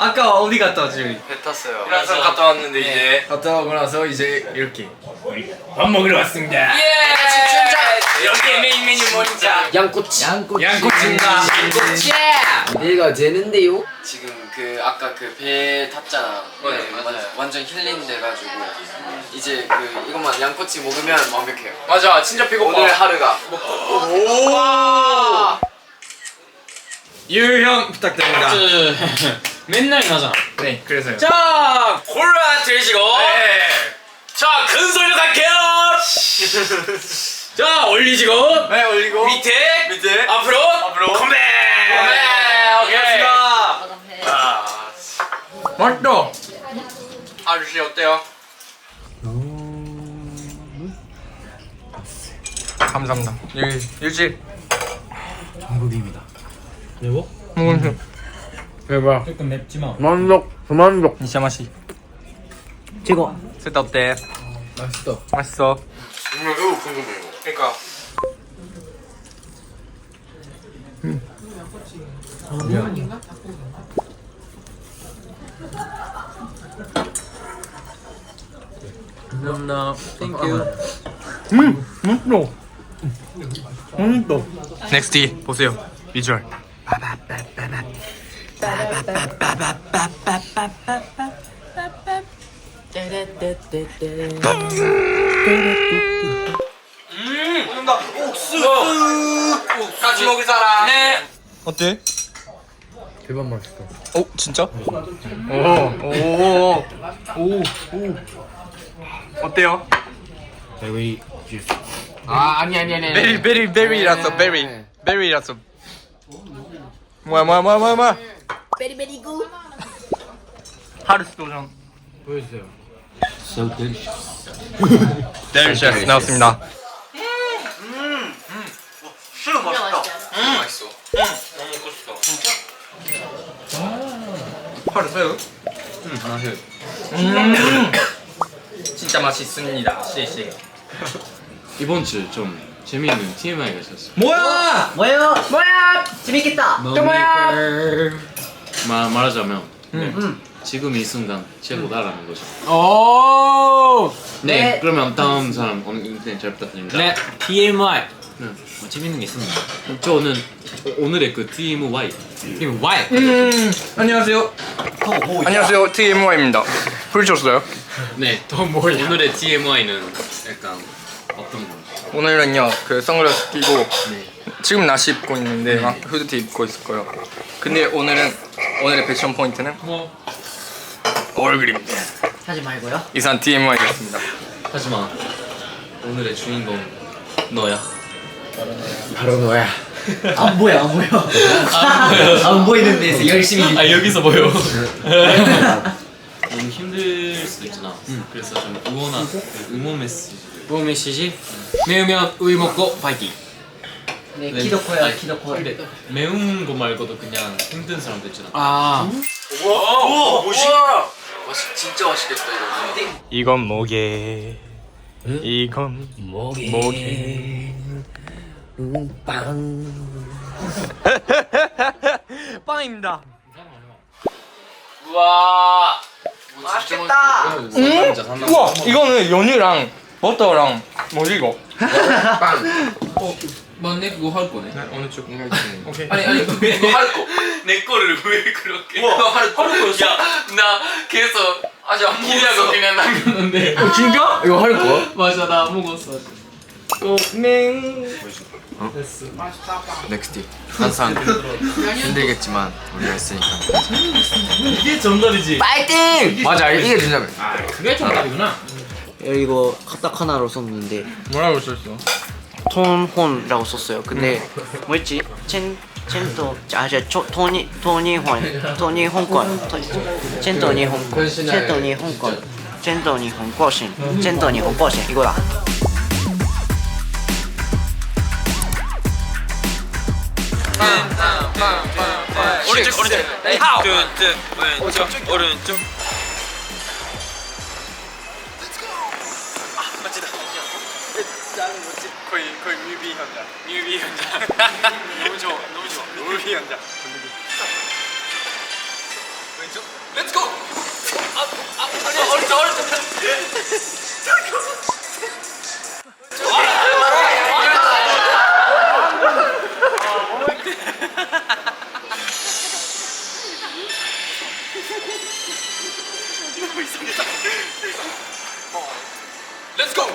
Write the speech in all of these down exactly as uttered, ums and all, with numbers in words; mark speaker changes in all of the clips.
Speaker 1: 아까 어디 갔다 왔지?
Speaker 2: 배 탔어요.
Speaker 1: 그래서 갔다 왔는데 이제 갔다 오고 나서 이제 이렇게 밥 먹으러 왔습니다.
Speaker 2: 예!
Speaker 1: 여기 메인 메뉴 뭐죠?
Speaker 3: 양꼬치.
Speaker 1: 양꼬치. 양꼬치입니다.
Speaker 3: 양꼬치. 내가 되는데요?
Speaker 2: 지금 그 아까 그 배 탔잖아.
Speaker 1: 네,
Speaker 2: 네,
Speaker 1: 맞아요.
Speaker 2: 완전 힐링 돼가지고 이제 그 이것만 양꼬치 먹으면 완벽해요.
Speaker 1: 맞아, 진짜 배고파.
Speaker 2: 오늘 하루가.
Speaker 1: 오. 유형 부탁드립니다.
Speaker 4: 맨날 나잖아.
Speaker 1: 네, 그래서요.
Speaker 4: 자, 콜라 들으시고.
Speaker 1: 네.
Speaker 4: 자, 큰 소리로 갈게요. 자, 올리시고.
Speaker 1: 네, 올리고
Speaker 4: 밑에.
Speaker 1: 밑에
Speaker 4: 앞으로.
Speaker 1: 앞으로
Speaker 4: 컴백.
Speaker 1: 네,
Speaker 4: 오케이.
Speaker 1: 아, 맛있다. 아저씨 어때요? 감사합니다. 여기 일찍
Speaker 3: 한국입니다.
Speaker 4: 매워?
Speaker 1: 먹으세요. 대박.
Speaker 4: 조금 맵지만.
Speaker 3: 만족. 그만족.
Speaker 1: 진짜 맛이.
Speaker 3: 최고.
Speaker 1: 셋 어때?
Speaker 3: 맛있다.
Speaker 1: 맛있어.
Speaker 2: 정말 매우 궁금해요.
Speaker 1: 그러니까.
Speaker 3: 감사합니다. 땡큐.
Speaker 1: 음, 맛있어. 맛있어. 넥스티 보세요. 비주얼. 음, 먹는다. 옥수수. 같이 먹을 사람. 네. 어때?
Speaker 3: 대박 맛있다.
Speaker 1: 어, 진짜? 오, 오, 오, 오. 어때요?
Speaker 3: 베리 주스. 아 아니 아니 아니.
Speaker 1: 베리, 베리, 베리라서 베리, 베리라서. 뭐야, 뭐야, 뭐야, 뭐야, 뭐야.
Speaker 5: 베리베리 굿.
Speaker 1: 하루스 도전.
Speaker 3: 보여주세요. So delicious.
Speaker 1: 델리셔스 나왔습니다.
Speaker 5: 진짜 맛있죠?
Speaker 1: 음, 맛있어. 음, 너무 먹고 싶어. 진짜? 하루 새우?
Speaker 4: 응, 하나 해.
Speaker 1: 음, 진짜 맛있습니다. 시시.
Speaker 4: 이번 주 좀 재미있는 티엠아이가 있었어.
Speaker 1: 뭐야?
Speaker 5: 뭐예요? 뭐야? 재밌겠다.
Speaker 4: 또
Speaker 5: 뭐야?
Speaker 4: 말 말하자면 네.
Speaker 5: 음.
Speaker 4: 지금 이 순간 최고다라는 거죠.
Speaker 3: 오.
Speaker 4: 네.
Speaker 5: 네.
Speaker 4: 그러면 다음 사람 오늘 인터넷 잘 부탁드립니다.
Speaker 6: 네, 티엠아이.
Speaker 4: 네.
Speaker 6: 뭐 재밌는 게 있습니다.
Speaker 4: 저는 오늘의 그 티엠와이.
Speaker 6: 티엠아이.
Speaker 1: 음, 안녕하세요. 안녕하세요. 티엠와이입니다. 부르셨어요?
Speaker 4: 네. 또 뭐야? 오늘의 티엠와이는 약간 어떤 거?
Speaker 1: 오늘은요, 그 선글라스 끼고
Speaker 4: 네.
Speaker 1: 지금 나시 입고 있는데 막 후드티 입고 있을 거예요. 근데 오늘은 오늘의 패션 포인트는
Speaker 4: 뭐?
Speaker 1: 얼굴입니다.
Speaker 5: 하지 말고요.
Speaker 1: 이상 티엠와이였습니다.
Speaker 4: 하지만 오늘의 주인공 너야.
Speaker 3: 바로 너야.
Speaker 5: 안 보여, 안 보여. 안 보이는 데서 열심히.
Speaker 4: 아 여기서 보여. 너무 힘들 수도 있잖아. 그래서 좀 응원한 응원 메시지.
Speaker 6: 뭐 메시지? 매우면 우유 먹고 파이팅.
Speaker 5: 네,
Speaker 4: 네.
Speaker 5: 키도코야,
Speaker 4: 아니,
Speaker 5: 키도코.
Speaker 4: 근데 매운 거 말고도 그냥 힘든 사람도 있잖아.
Speaker 6: 아,
Speaker 2: 오, 멋있다. 맛있, 진짜 맛있겠다 이거.
Speaker 1: 이건 뭐게? 이건
Speaker 3: 목에.
Speaker 1: 뭐게?
Speaker 3: 빵.
Speaker 1: 빵입니다.
Speaker 2: 우와.
Speaker 5: 맛있겠다.
Speaker 1: 음? 우와, 이거는 연유랑 버터랑 뭐지 이거?
Speaker 3: 빵.
Speaker 4: 맞네 그거 할 거네.
Speaker 1: 어느 쪽? 오케이.
Speaker 4: 아니 아니 그거 할 거. 내 거를 왜 그렇게?
Speaker 1: 우와,
Speaker 4: 할 거. 야나 계속 아직 안 먹었어. 그냥 남겼는데.
Speaker 1: 어, 진짜?
Speaker 3: 이거 할 거야?
Speaker 4: 맞아 나 안 먹었어.
Speaker 2: 넥스티. 항상 힘들겠지만 우리가 있으니까.
Speaker 4: 이게 정답이지.
Speaker 5: 파이팅!
Speaker 3: 맞아 이게 진짜.
Speaker 6: 그게 정답이구나.
Speaker 5: 이거 카타카나로 썼는데
Speaker 1: 뭐라고 썼어?
Speaker 5: 톤혼이라고 썼어요. 근데 뭐였지? 첸 첸토 아저 토니 토니혼 토니혼권 첸토니 홍권 첸토니 홍권 첸토니 홍권신 첸토니 홍권신 이거다.
Speaker 1: 오른쪽 오른쪽 왼쪽 왼쪽 오른쪽 아 멋지다 나는 멋지 거의 거의 뮤비 현장 뮤비 현장 너무 좋아 너무 좋아 뮤비 현장 왼쪽 렛츠고! 아, 아, 아니, 어렵다, 어렵다. 렛츠고!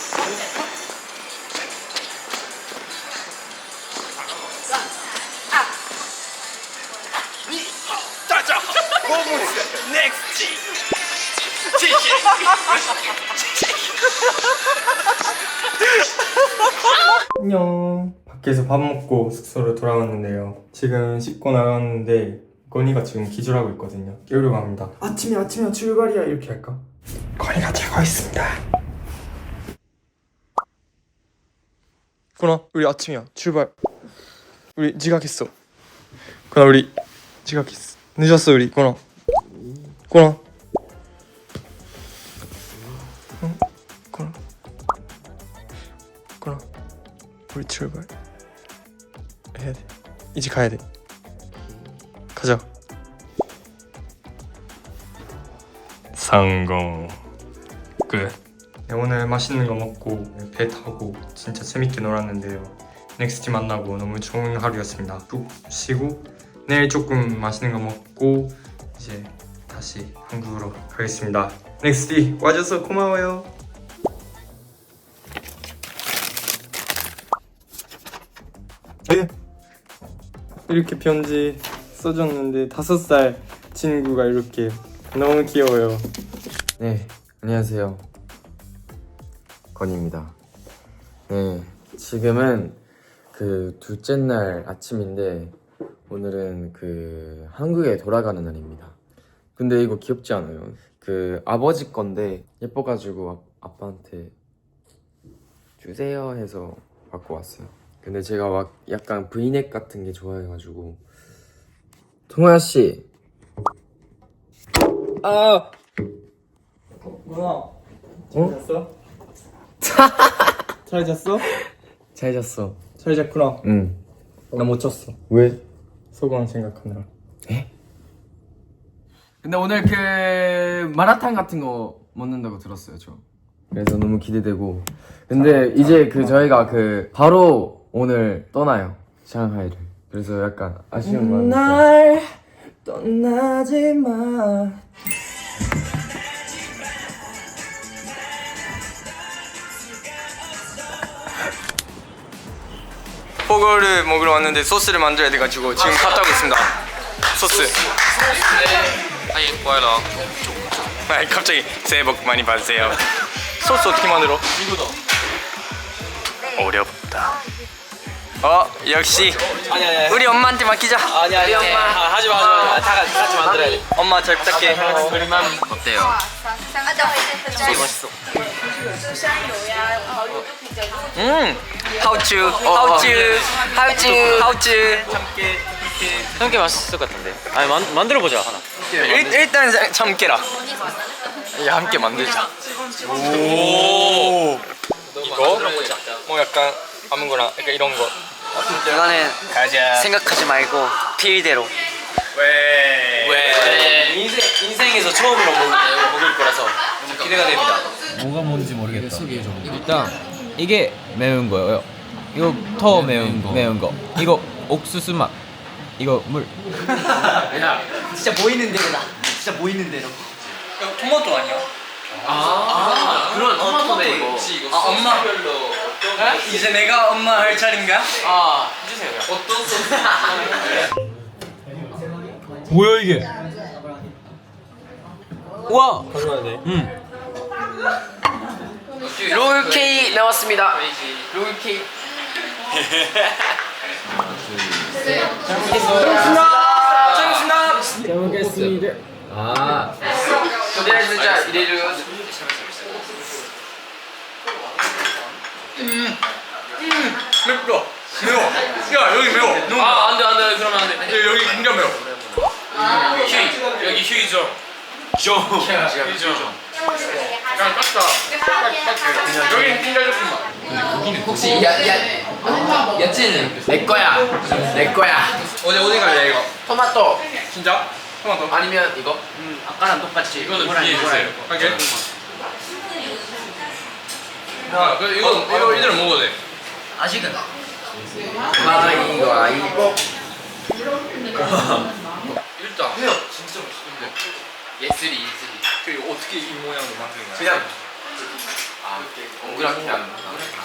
Speaker 1: 짜자! 넥스트!
Speaker 7: 안녕. 밖에서 밥 먹고 숙소로 돌아왔는데요. 지금 씻고 나왔는데 건이가 지금 기절하고 있거든요. 깨우려고 합니다. 아침이야 아침이야 출발이야 이렇게 할까? 건이가 자고 있습니다. 건아 우리 아침이야 출발. 우리 지각했어. 건아 우리 지각했어. 늦었어 우리 건아. 건아. 응? 건아. 건아. 우리 출발 해야 돼. 이제 가야 돼. 가자. 성공. 끝. 네, 오늘 맛있는 거 먹고 배 타고 진짜 재밌게 놀았는데요. 넥스티 만나고 너무 좋은 하루였습니다. 푹 쉬고 내일 조금 맛있는 거 먹고 이제 다시 한국으로 가겠습니다. 넥스티 와줘서 고마워요. 네. 이렇게 편지 써줬는데 다섯 살 친구가 이렇게 너무 귀여워요.
Speaker 2: 네, 안녕하세요. 건입니다. 네, 지금은 그 둘째 날 아침인데 오늘은 그 한국에 돌아가는 날입니다. 근데 이거 귀엽지 않아요? 그 아버지 건데 예뻐가지고 아, 아빠한테 주세요 해서 받고 왔어요. 근데 제가 막 약간 브이넥 같은 게 좋아해가지고. 동호야 씨. 아.
Speaker 7: 누나 잘 잤어? 잘 잤어?
Speaker 2: 잘 잤어.
Speaker 7: 잘 잤구나.
Speaker 2: 응.
Speaker 7: 나 못 잤어.
Speaker 2: 왜?
Speaker 7: 소감 생각하느라.
Speaker 2: 에?
Speaker 3: 근데 오늘 그 마라탕 같은 거 먹는다고 들었어요 저.
Speaker 2: 그래서 너무 기대되고. 근데 이제 그 저희가 그 바로 오늘 떠나요. 상하이를. 그래서 약간 아쉬운 마음이 있어요.
Speaker 7: 날 떠나지 마.
Speaker 1: 포거를 먹으러 왔는데 소스를 만들어야 돼가지고 지금 갔다 오고 있습니다. 소스. 아이 뭐야라. 아 갑자기 새해 복 많이 받으세요. 소스 어떻게 만들어? 이거다. 어렵다. 어 역시
Speaker 2: 아니 아니
Speaker 1: 우리 엄마한테 맡기자.
Speaker 2: 아니 아니
Speaker 1: 우리 엄마.
Speaker 2: 아, 하지 마 하지 마. 다 같이 같이 만들어야 돼.
Speaker 1: 엄마 잘 부탁해.
Speaker 4: 그림만 어때요?
Speaker 1: 멋있어. 음, 하우츠, 하우츠, 하우츠, 하우츠.
Speaker 4: 함께 맛있을 것 같은데. 아니 만 만들어 보자 하나.
Speaker 1: 일, 일단 참깨라. 야 함께 만들자. 오. 이거 뭐 약간 아무거나 약간 이런 거.
Speaker 5: 이거는
Speaker 1: 가자.
Speaker 5: 생각하지 말고 필대로.
Speaker 1: 왜?
Speaker 2: 네, 인생 인생에서 처음으로 먹을, 먹을 거라서 너무 기대가 됩니다.
Speaker 3: 뭐가 뭔지 모르겠다. 일단 이게 매운 거예요. 이거 더 매운 거. 매운 거. 이거 옥수수 맛. 이거 물.
Speaker 5: 진짜 보이는 대로다. 진짜 보이는 대로.
Speaker 1: 이거 토마토 아니야?
Speaker 2: 아, 그런 토마토네 이거.
Speaker 1: 아 엄마. 이제 내가 엄마 할 차례인가?
Speaker 2: 아, 해주세요.
Speaker 1: 어떤 소스?
Speaker 3: 뭐야 이게? 우와.
Speaker 1: 응.
Speaker 2: 롤케이크 나왔습니다. 롤케이크.
Speaker 1: 잘 먹겠습니다.
Speaker 2: 아. 네, 진짜 이래로.
Speaker 1: 음, 음, 맵다. 매워. 야 여기 매워. 너무 매워.
Speaker 4: 아 안돼 안돼 그러면 안돼.
Speaker 1: 야, 여기 굉장히 매워.
Speaker 4: 휴이 여기 휴이죠. 죠. 휴이죠.
Speaker 1: 그냥 깠다. 여기 굉장히 조금만.
Speaker 2: 혹시 야야 야채는 내 거야. 내 거야.
Speaker 1: 어디 어디 갈래 이거?
Speaker 2: 토마토.
Speaker 1: 진짜? 토마토.
Speaker 4: 아니면 이거?
Speaker 5: 아까랑 똑같이.
Speaker 4: 이거는
Speaker 5: 이거랑
Speaker 4: 비해
Speaker 5: 이거랑.
Speaker 4: 주세요.
Speaker 1: 오케이.
Speaker 4: 아, 그 이거 이거 이대로 먹어도 돼.
Speaker 5: 아직은.
Speaker 2: 가위바위보.
Speaker 4: 일단 해요. 진짜 맛있는데. 예슬이 예슬이.
Speaker 1: 그 어떻게 이 모양으로 만든 거야?
Speaker 4: 그냥 아 이렇게 동그랗게 하는 거.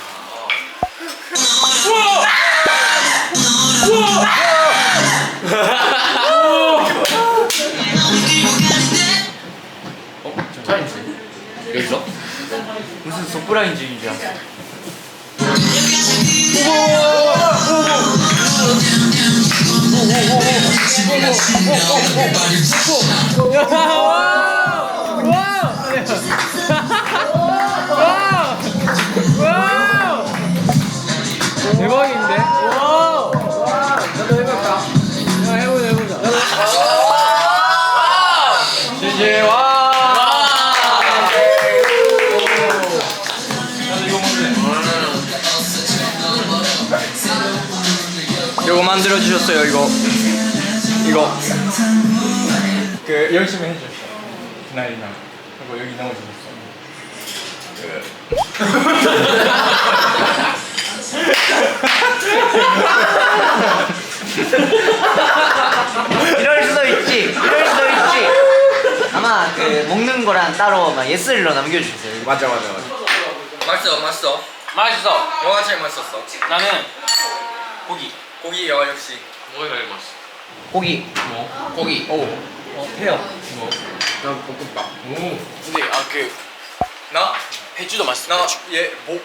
Speaker 4: 여기서?
Speaker 5: 무슨 서프라이즈인 줄 알았어.
Speaker 3: 대박인데? 와! 나도 해볼까? 야, 해보자, 해보자.
Speaker 1: 제제 와. 이거 만들어 주셨어요. 이거 이거 그 열심히 해주셨어. 나이랑 그리고 여기 넣어주셨어.
Speaker 5: 이럴 수도 있지. 이럴 수도 있지. 아마 그 먹는 거랑 따로 막 예슬로 남겨주세요.
Speaker 1: 맞아 맞아 맞아. 맛있어 맛있어.
Speaker 4: 맛있어.
Speaker 1: 뭐가 제일 맛있었어?
Speaker 4: 나는
Speaker 1: 고기. 고기요 역시.
Speaker 4: 뭐가 제일 맛있어?
Speaker 5: 고기.
Speaker 4: 뭐? 고기.
Speaker 1: 오.
Speaker 5: 회요.
Speaker 4: 뭐?
Speaker 1: 난 볶음밥.
Speaker 4: 오. 근데 아그
Speaker 1: 나?
Speaker 4: 해주도 맛있어.
Speaker 1: 나 얘 복.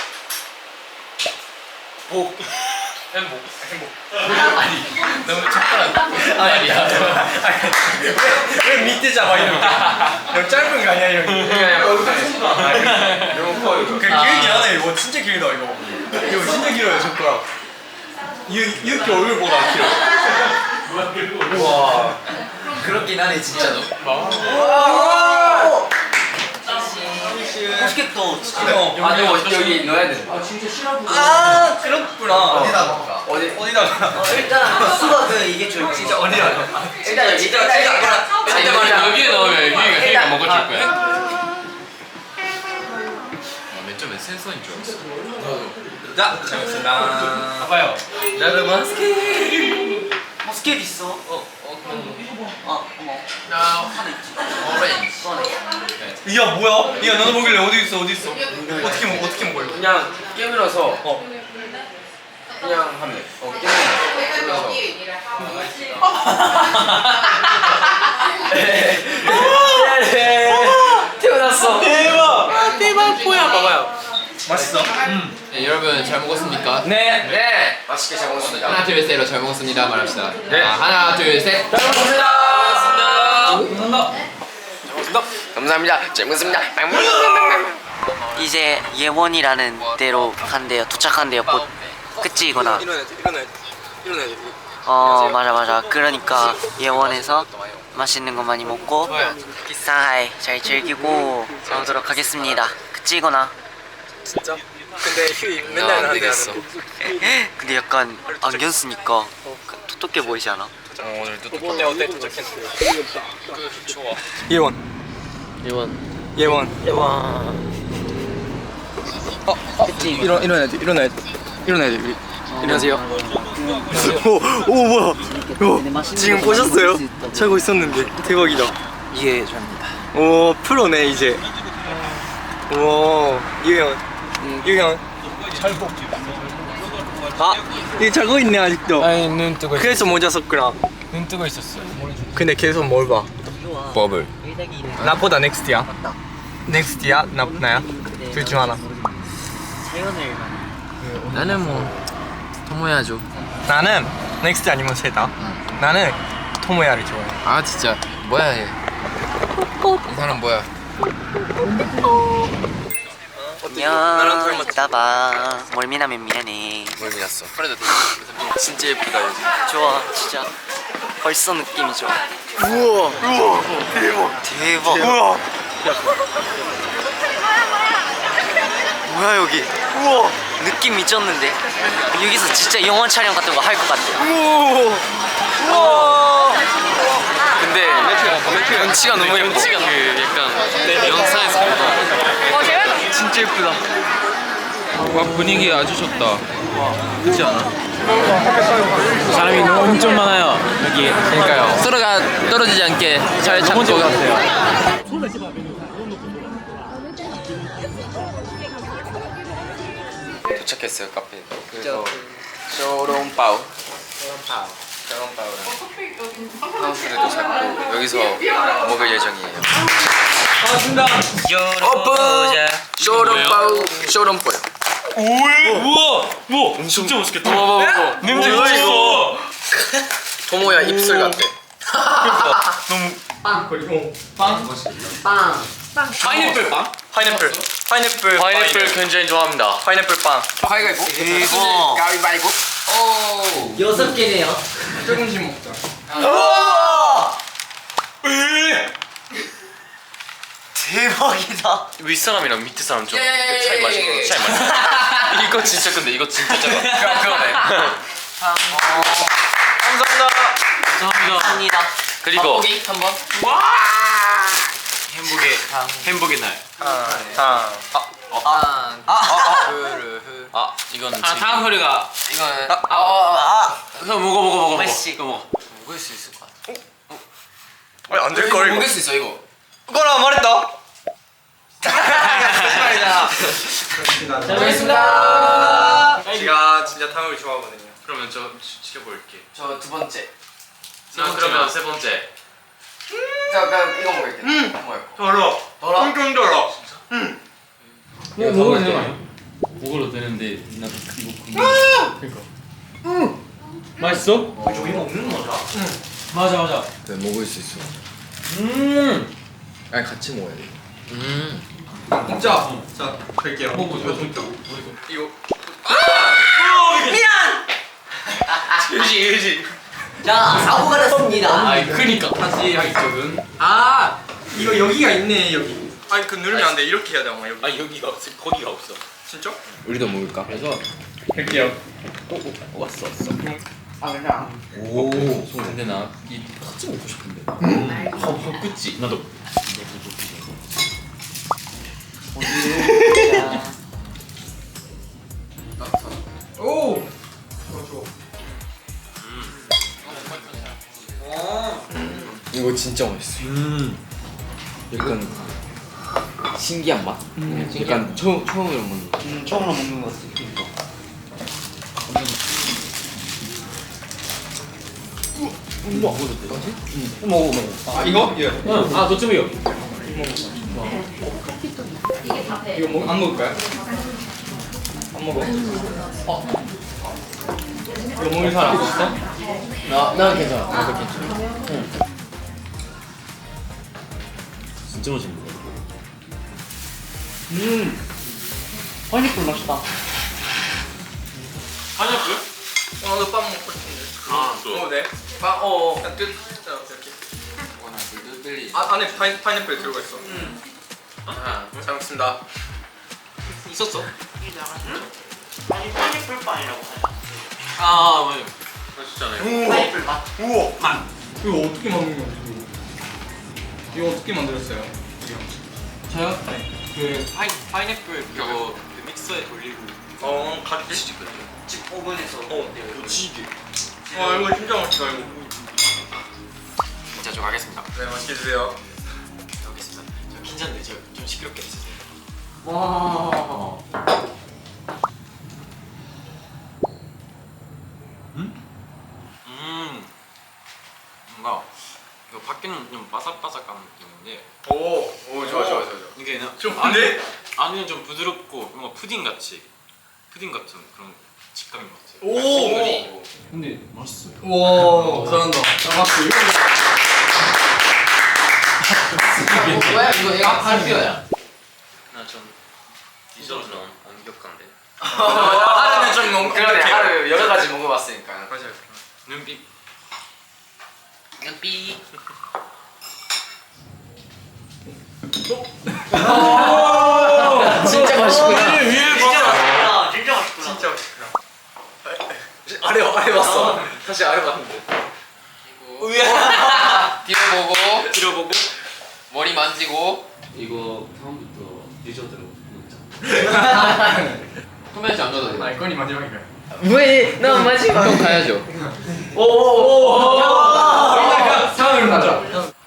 Speaker 1: 복.
Speaker 4: 행복.
Speaker 1: 행복.
Speaker 4: 아니 너무 착한 말이야.
Speaker 1: 왜, 왜 밑에 잡아 이렇게? 너무 짧은 거 아니야 여기? 너무 커 이거. 그 길긴 하네 이거 진짜 길다 이거. 이거 진짜 길어요 젓가락. 이 이렇게 얼굴보다 길어. 우와.
Speaker 5: 그렇긴 하네 진짜로. 맛있겠다.
Speaker 1: 어.
Speaker 4: 아 이거 여기 넣어야 돼.
Speaker 1: 아 그렇구나. 어디다
Speaker 4: 넣을까?
Speaker 1: 어디 어디다가?
Speaker 5: 어, 일단 수박 그 이게 좋을 진짜
Speaker 1: 어디다?
Speaker 5: 일단 여기
Speaker 1: 진짜
Speaker 5: 일단
Speaker 1: 진짜
Speaker 5: 일단
Speaker 4: 아니
Speaker 5: 일단
Speaker 4: 여기
Speaker 5: 일단
Speaker 4: 여기에 넣으면 유이가 유이가
Speaker 5: 일단,
Speaker 4: 먹어줄
Speaker 5: 아,
Speaker 4: 거야. 맨 처음에 센서인 줄 알았어.
Speaker 1: 자, 잘 먹습니다.
Speaker 4: 봐봐요. 나도 마스크.
Speaker 5: 머스켓 있어.
Speaker 4: 어, 어, 그럼
Speaker 5: 어, 어머.
Speaker 4: 나 하나 있지. 오렌지.
Speaker 5: 꺼내.
Speaker 1: 야 뭐야? 야 너도 먹길래 어디 있어 어디 있어? 어떻게 먹 어떻게 먹어 이거?
Speaker 3: 그냥 깨물어서
Speaker 1: 어.
Speaker 3: 그냥 하면 돼. 어, 깨물어서. 태어났어.
Speaker 1: 대박.
Speaker 3: 대박 뭐야 봐봐요.
Speaker 1: 맛있어?
Speaker 4: 네, 여러분 잘 먹었습니까?
Speaker 3: 네.
Speaker 4: 네.
Speaker 3: 맛있게 잘 먹었습니다.
Speaker 4: 하나 둘 셋로 잘 먹었습니다 말합시다.
Speaker 3: 네.
Speaker 4: 아, 하나 둘 셋.
Speaker 3: 잘 먹었습니다.
Speaker 4: 감사합니다.
Speaker 3: 감사합니다. 잘 먹었습니다.
Speaker 5: 이제 예원이라는 데로 간대요. 도착한대요. 곧. 그치 이거나.
Speaker 1: 일어나야지 일어나야지 일어나야지.
Speaker 5: 어 맞아 맞아. 그러니까 예원에서 맛있는 거 많이 먹고 상하이 잘 즐기고 오도록 하겠습니다. 그치 이거나.
Speaker 1: 진짜? 근데 휴이
Speaker 4: 야,
Speaker 1: 맨날
Speaker 4: 안
Speaker 1: 나한테
Speaker 4: 되겠어.
Speaker 1: 하는
Speaker 5: 근데 약간 안경 쓰니까 톡톡해 보이지 않아?
Speaker 4: 어, 오늘 또
Speaker 1: 거. 어때 어때 도착했는데? 좋아. 예원. 예원. 예원.
Speaker 5: 예원.
Speaker 1: 어, 어. 일어 일어나야지 일어나야지 일어나야지. 우리. 안녕하세요. 오, 오 뭐야? 오, 지금 보셨어요? 자고 있었는데 대박이다.
Speaker 5: 이게 저입니다.
Speaker 1: 오 프로네 이제. 오 유현 유현 잘보. 아 이게 자고 있네 아직도.
Speaker 3: 아니 눈 뜨고
Speaker 1: 그래서 모자 썼구나.
Speaker 3: 눈 뜨고 있었어.
Speaker 1: 근데 계속 뭘 봐?
Speaker 4: 버블.
Speaker 1: 나보다 넥스트야. 넥스트야? 나 나야? 둘 중 하나.
Speaker 5: 세연을
Speaker 4: 나는 뭐 토모야죠.
Speaker 1: 나는 넥스트 아니면 세다. 나는 토모야를 좋아해.
Speaker 4: 아 진짜 뭐야 얘. 이 사람 뭐야?
Speaker 5: 안녕. 이따 봐. 멀미나면 미안해.
Speaker 4: 뭘 믿었어? 프레드
Speaker 1: 진짜 예쁘다 여기.
Speaker 5: 좋아 진짜. 벌써 느낌이 좋아.
Speaker 1: 우와 우와 대박
Speaker 5: 대박.
Speaker 1: 우와
Speaker 5: 뭐야 여기?
Speaker 1: 우와
Speaker 5: 느낌 미쳤는데? 여기서 진짜 영화 촬영 같은 거 할 것 같아.
Speaker 1: 우와 우와
Speaker 5: 근데
Speaker 4: 위치가 너무 예뻐. 그 약간 영상에서 보다.
Speaker 1: 진짜 예쁘다.
Speaker 3: 와 분위기 아주 좋다. 그렇지 않아? 사람이 너무 엄청 많아요 여기. 그러니까요.
Speaker 4: 서로가 떨어지지 않게 잘 잡고
Speaker 3: 같아요.
Speaker 1: 도착했어요 카페. 그래서 쇼롱파우. 쇼롱파우랑 하우스를 잡고 여기서 먹을 예정이에요. 오픈! 쇼롱파우 쇼롱파우.
Speaker 3: 우와 우와 진짜 맛있겠다.
Speaker 1: 봐봐봐.
Speaker 3: 냄새 미쳤어.
Speaker 1: 토모야 입술 같대.
Speaker 4: 파인애플 빵?
Speaker 1: 파인애플. 파인애플.
Speaker 4: 파인애플 굉장히 좋아합니다.
Speaker 1: 파인애플 빵. 가위바위보.
Speaker 5: 대박.
Speaker 1: 가위바위보.
Speaker 5: 여섯 개네요.
Speaker 1: 조금씩 먹자.
Speaker 5: 대박이다.
Speaker 4: 윗사람이랑 밑에 사람 좀 차이 많이 차이 많이. 이거 진짜 근데 이거 진짜 작아.
Speaker 1: 그러네. 감사합니다.
Speaker 4: 감사합니다.
Speaker 5: 감사합니다.
Speaker 4: 그리고
Speaker 1: 한번.
Speaker 4: 행복의 행복의 날.
Speaker 1: 탕. 아.
Speaker 5: 아,
Speaker 1: 흐르흐.
Speaker 4: 아 이거는
Speaker 3: 아 다음 소리가
Speaker 1: 이거는
Speaker 3: 형 먹어 먹어 먹어.
Speaker 5: 메시.
Speaker 3: 이거 먹어.
Speaker 4: 먹을 수 있을 것 같아.
Speaker 1: 아니 안될 걸.
Speaker 4: 먹을 수 있어 이거.
Speaker 1: 그거라 말했다.
Speaker 5: 잘했습니다.
Speaker 1: 제가 진짜 탕을 좋아하거든요.
Speaker 4: 그러면 저 지켜볼게.
Speaker 5: 저 두 번째.
Speaker 4: 자 그러면 세 번째.
Speaker 5: 자, 그럼 이거 먹을게. 음. 뭐야?
Speaker 1: 달아.
Speaker 5: 달아?
Speaker 1: 엄청 달아.
Speaker 3: 이거 먹으면 되는
Speaker 6: 거 먹어도 되는데 나도 이거 그러니까. 맛있어?
Speaker 5: 저기 먹는 거죠?
Speaker 3: 맞아 맞아.
Speaker 2: 그래 먹을 수 있어.
Speaker 3: 음.
Speaker 2: 아니 같이 먹어야 돼.
Speaker 1: 자, 자, 갈게요.
Speaker 6: 먹어보자.
Speaker 1: 이거.
Speaker 5: 미안.
Speaker 1: 유지, 유지.
Speaker 5: 자, 사고가 났습니다.
Speaker 6: 아이 크니까 다시 하기적은.
Speaker 1: 아, 이거 여기가 있네 여기. 아니 그 누르면 안 돼. 이렇게 해야 돼 아마 여기.
Speaker 6: 아 여기가 없어. 거기가 없어.
Speaker 1: 진짜?
Speaker 2: 우리도 먹을까?
Speaker 6: 그래서
Speaker 1: 갈게요.
Speaker 6: 왔어 왔어.
Speaker 5: 아, 그냥.
Speaker 6: 오. 근데 나이 같이 먹고 싶은데. 음. 어, 그치. 나도.
Speaker 1: 오. 좋아 좋아.
Speaker 2: 이거 진짜 맛있어.
Speaker 3: 음.
Speaker 2: 약간 신기한 맛. 약간 처음 처음으로 먹는. 거.
Speaker 5: 음, 처음으로 먹는 거 같아.
Speaker 3: 먹어 먹어.
Speaker 1: 아 이거? 예.
Speaker 3: 응. 아 저쪽이요.
Speaker 1: 이거 먹, 안 먹을까요? 안 먹어. 어. 이거 먹을 사람 있어?
Speaker 3: 나 나는 괜찮아. 나도 괜찮아. 응. 진짜 맛있는 거.
Speaker 5: 음. 파인애플 맛있다.
Speaker 4: 파인애플?
Speaker 1: 어, 나도 빵 먹고 싶은데.
Speaker 4: 아 또.
Speaker 1: 어, 네. 빵, 어, 어. 그냥 뜯. 자, 이렇게. 아, 안에 파인, 파인애플 들어가 있어. 음. 아, 잘 먹습니다.
Speaker 4: 있었어?
Speaker 5: 아니, 파인애플 빵이라고 하죠.
Speaker 4: 아 맞아. 맛있잖아요.
Speaker 5: 파인애플 맛.
Speaker 1: 우와. 아, 이거 어떻게 만든 거지? 이거? 이거 어떻게 만들었어요?
Speaker 3: 저요?
Speaker 4: 그 파인 파인애플 그거 그 믹서에 돌리고
Speaker 1: 어, 같이.
Speaker 5: 집 오븐에서.
Speaker 1: 어,
Speaker 4: 무지개.
Speaker 1: 아, 이거 진짜 맛있다 이거.
Speaker 4: 자, 저 가겠습니다.
Speaker 1: 네, 맛있게 드세요.
Speaker 4: 가겠습니다. 저 긴장돼. 저좀 시끄럽게 해주세요.
Speaker 5: 와.
Speaker 4: 음. 뭔가 이거 밖에는 좀 바삭바삭한 느낌인데
Speaker 1: 오, 오, 좋아, 좋아, 좋아. 좋아.
Speaker 4: 이게 나-
Speaker 1: 좋은데?
Speaker 4: 안에는 좀 부드럽고 뭔가 푸딩 같이 푸딩 같은 그런 식감인 것 같아요.
Speaker 1: 오.
Speaker 6: 근데 맛있어요.
Speaker 1: 와, 잘한다. 잘 맞고 이거.
Speaker 6: 뭐야 이거 이거 할비어야.
Speaker 4: 나좀 디저트는 엄격한데.
Speaker 1: 하루는 좀 너무
Speaker 4: 그러네,
Speaker 1: 엄격해요.
Speaker 4: 하루 여러 가지 먹어봤으니까.
Speaker 1: 맞아요.
Speaker 4: 눈빛. 눈빛.
Speaker 5: 진짜 맛있구나.
Speaker 1: 진짜
Speaker 5: 맛있구나. 진짜 맛있구나.
Speaker 1: 진짜 맛있구나. 아래 아래 봤어. 다시 아래 봤는데.
Speaker 4: 뒤로 보고. 뒤로 보고.
Speaker 6: 머리 만지고 이거 다음부터 디저트로 먹자. 소매지 안 가도 돼.
Speaker 1: 아 이건이 마지막이야.
Speaker 5: 왜? 너 마지막.
Speaker 6: 형 가야죠.
Speaker 1: 상황을 가자.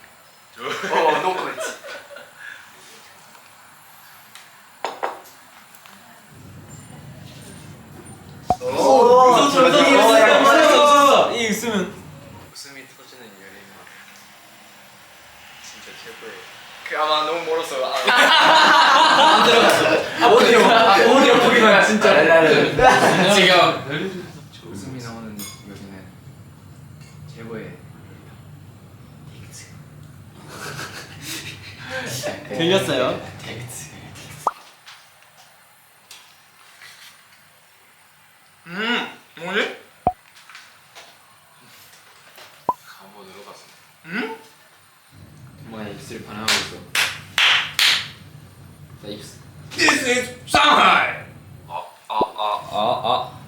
Speaker 3: 이 있으면
Speaker 1: 웃음이 터지는 여행. 진짜 최고예요. 그 아마 너무 멀어서 안
Speaker 3: 오디오 보기만 진짜.
Speaker 1: 지금 웃음이 나오는 여기는 최고의
Speaker 3: 들렸어요?
Speaker 1: 음 뭐지?
Speaker 4: 한번 들어갔어.
Speaker 1: 음?
Speaker 6: 뭐야 입술 반응하고 있어. 자 입술.
Speaker 1: This is Shanghai.
Speaker 3: 아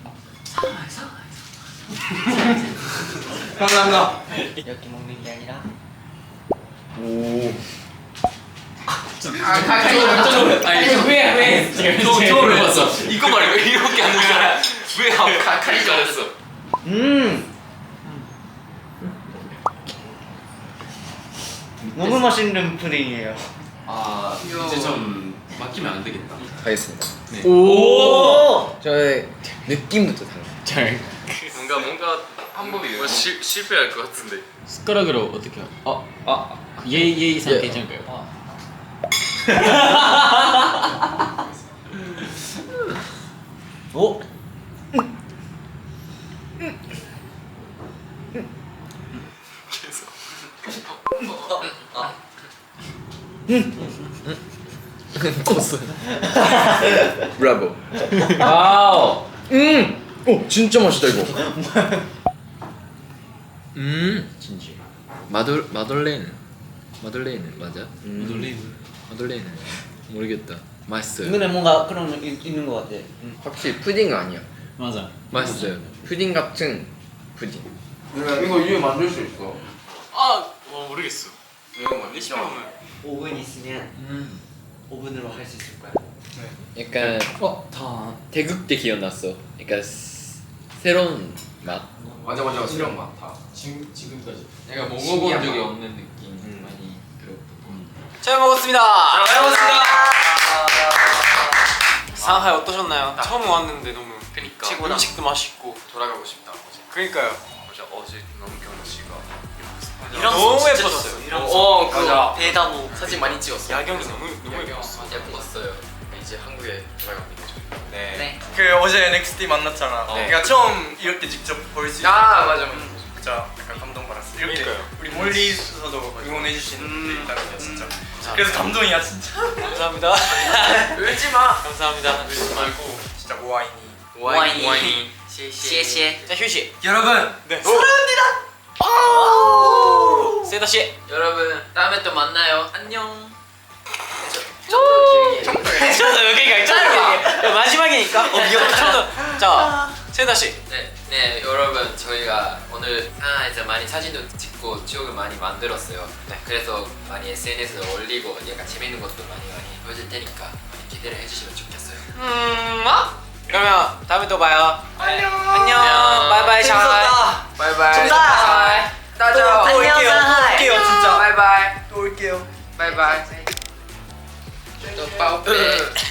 Speaker 1: 감사합니다.
Speaker 5: 이렇게 먹는 게 아니라
Speaker 6: 아니 왜 왜? 지금 처음 해봤어. 이거 말고 이렇게 하는 줄 알아. 왜 가까이 잘했어?
Speaker 5: 음 너무 맛있는 푸딩이에요.
Speaker 6: 아 이제 좀 맡기면 안 되겠다.
Speaker 2: 하겠습니다.
Speaker 5: 오
Speaker 2: 저의 느낌부터 달라.
Speaker 3: 잘.
Speaker 4: 뭔가 뭔가 한 번이 뭐 실 실패할 것 같은데.
Speaker 3: 숟가락으로 어떻게? 어, 아, 예예 이상
Speaker 2: 예.
Speaker 3: 괜찮을까요? 오.
Speaker 2: 브라보.
Speaker 3: 와우.
Speaker 2: 음. 오 진짜 맛있다 이거.
Speaker 6: 음 진지. 마돌 마돌렌 마돌렌 맞아?
Speaker 3: 놀림.
Speaker 6: 마돌렌 모르겠다. 맛있어요.
Speaker 5: 이거는 뭔가 그런 거 있- 있는 것 같아.
Speaker 2: 확실히 푸딩 아니야.
Speaker 3: 맞아.
Speaker 6: 맛있어요.
Speaker 2: 푸딩 같은 푸딩.
Speaker 1: 이거 위에 만들 수 있어.
Speaker 4: 아, 어, 모르겠어. 레시피 보면
Speaker 5: 오븐 있으면 오븐으로 할 수 있을 거야.
Speaker 6: 약간
Speaker 3: 어, 다.
Speaker 6: 태국 때 기억났어. 그러니까 스- 새로운 맛.
Speaker 1: 맞아 맞아 수령 많다.
Speaker 3: 지금 지금까지.
Speaker 6: 내가
Speaker 1: 신기한
Speaker 6: 먹어본 적이
Speaker 1: 맛.
Speaker 6: 없는 느낌 많이 들었고.
Speaker 3: 잘 먹었습니다. 잘 먹었습니다. 상하이 어떠셨나요? 처음 왔는데 너무
Speaker 4: 그니까
Speaker 3: 최고다. 음식도 맛있고.
Speaker 4: 돌아가고 싶다. 어제.
Speaker 3: 그러니까요.
Speaker 4: 어제 어제 너무 경호 씨가
Speaker 5: 이런
Speaker 3: 너무
Speaker 5: 거 진짜
Speaker 3: 예뻤어요.
Speaker 5: 좋았어요. 이런
Speaker 1: 어
Speaker 5: 거.
Speaker 1: 맞아.
Speaker 5: 대다모.
Speaker 1: 사진 많이 찍었어.
Speaker 3: 야경이 너무 너무 예뻤어.
Speaker 6: 예뻤어요.
Speaker 1: 이제 한국에 돌아갑니다.
Speaker 4: 네.
Speaker 5: 네.
Speaker 8: 그 어제 넥스티 만났잖아.
Speaker 4: 어.
Speaker 8: 내가 처음 이렇게 직접 볼 수 있어.
Speaker 1: 아 맞아 맞아.
Speaker 8: 진짜 약간 감동받았어. 이렇게
Speaker 3: 그러니까요.
Speaker 8: 우리 멀리서도 응원해 주시는 분들이 있다는 게 진짜.
Speaker 3: 감사합니다.
Speaker 8: 그래서 감동이야 진짜.
Speaker 3: 감사합니다.
Speaker 1: 울지 마.
Speaker 3: 감사합니다. 울지 말고.
Speaker 8: 진짜 모아이니.
Speaker 5: 와인이.
Speaker 1: 와인이.
Speaker 5: 시에시에.
Speaker 3: 자 휴식.
Speaker 8: 여러분.
Speaker 3: 네.
Speaker 8: 사랑합니다.
Speaker 3: 세다 씨.
Speaker 6: 여러분 다음에 또 만나요. 안녕.
Speaker 3: 저도 여기가 짧아. 마지막이니까. 어 미안. 저도 자 세다 씨.
Speaker 6: 네, 네 여러분 저희가 오늘 상하이에서 많이 사진도 찍고 추억을 많이 만들었어요. 네. 그래서 많이 에스엔에스에 올리고 약간 재밌는 것도 많이 많이 보여줄 테니까 많이 기대를 해주시면 좋겠어요.
Speaker 3: 음, 어? 그러면 다음에 또 봐요.
Speaker 8: 안녕.
Speaker 3: 안녕. 바이바이 샤이.
Speaker 1: 바이바이.
Speaker 5: 정답.
Speaker 8: 따자.
Speaker 5: 또 올게요. 또 올게요
Speaker 8: 진짜.
Speaker 1: 바이바이.
Speaker 8: 또 올게요.
Speaker 1: 바이바이.
Speaker 6: 또 빠오빼.